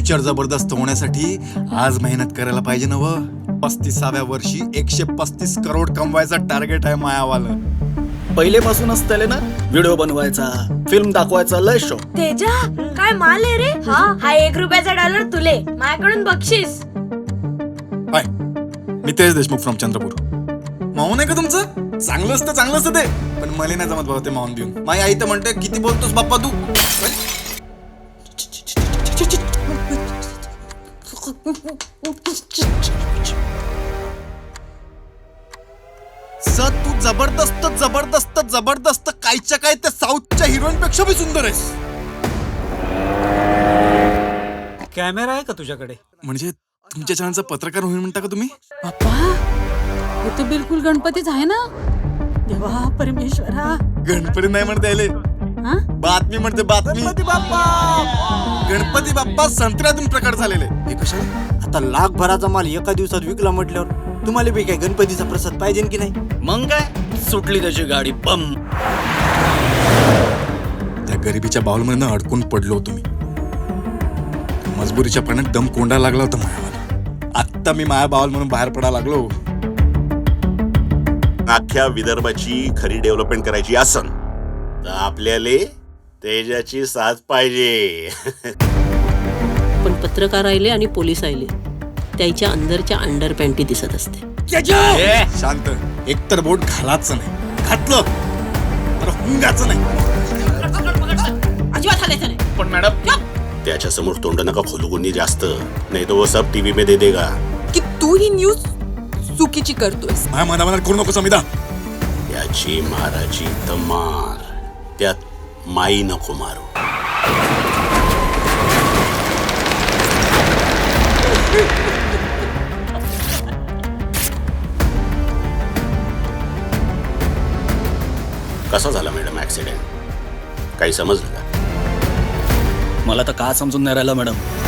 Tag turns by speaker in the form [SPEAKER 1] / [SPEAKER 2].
[SPEAKER 1] Picture जबरदस्त होण्यासाठी आज मेहनत करायला पाहिजे ना व 35व्या वर्षी 135 करोड कमवायचा टार्गेट आहे मायावाला.
[SPEAKER 2] पहिलेपासूनच त्याले ना व्हिडिओ बनवायचा, फिल्म दाखवायचा लय शौक.
[SPEAKER 3] तेजा काय माल आहे रे. हा 1 रुपयाचा डॉलर तुले माझ्याकडून बक्षीस.
[SPEAKER 1] हाय, मी तेज देशमुख फ्रॉम चंद्रपूर. माहून आहे का तुमचं? चांगलं असतं ते, पण मला नाही जमत भाऊ ते माहून देऊन. माझी आई तर म्हणते किती बोलतोस बाप्पा तू. सर तू जबरदस्त कायच्या काय त्या साऊथच्या हिरोईन पेक्षा भी सुंदर आहेस.
[SPEAKER 4] कॅमेरा आहे का तुझ्याकडे?
[SPEAKER 1] म्हणजे तुमच्या चॅनलचा पत्रकार होईल म्हणता का तुम्ही?
[SPEAKER 5] बाप्पा हे तर बिलकुल गणपतीच आहे ना. देवा परमेश्वरा.
[SPEAKER 1] गणपती नाही म्हणता येईल,
[SPEAKER 5] हा?
[SPEAKER 1] बातमी म्हणते बातमी. गणपती बाप्पा संत्र्यातून प्रकट झालेले. हे कशाला?
[SPEAKER 6] आता लाखभराचा माल एका दिवसात विकला म्हटल्यावर तुम्हाला बी काय गणपतीचा प्रसाद पाहिजे की नाही?
[SPEAKER 2] मग काय सुटली त्याची गाडी बम.
[SPEAKER 1] त्या गरिबीच्या बाउलमध्ये अडकून पडलो होतो मी. मजबुरीच्या पाण्यात दम कोंडा लागला होता मायावाला. आत्ता मी माया बाउल म्हणून बाहेर पडायला लागलो.
[SPEAKER 7] अख्ख्या विदर्भाची खरी डेव्हलपमेंट करायची असन तर आपल्याला तेजाची साथ पाहिजे.
[SPEAKER 8] पण पत्रकार आले आणि पोलीस आले त्याच्या अंदरच्या अंडर पॅन्टी दिसत असते.
[SPEAKER 1] शांत. एकतर बोट घालायचं नाही, घातलं तर हुंगाचं नाही.
[SPEAKER 8] अजिबात हालायचं नाही.
[SPEAKER 2] पण मॅडम
[SPEAKER 7] त्याच्या समोर तोंड नका खोलू कोणी जास्त, नाही तो वो सब टीव्ही मध्ये देगा.
[SPEAKER 5] की तू ही न्यूज चुकीची करतोयस.
[SPEAKER 1] माझ्या मनामनात करू नको समिधा.
[SPEAKER 7] याची माराची तर मार, त्यात माई नको मारू. कसा झाला मॅडम ऍक्सिडेंट? काही समजलं का?
[SPEAKER 2] मला तर का समजून नाही राहिलं मॅडम.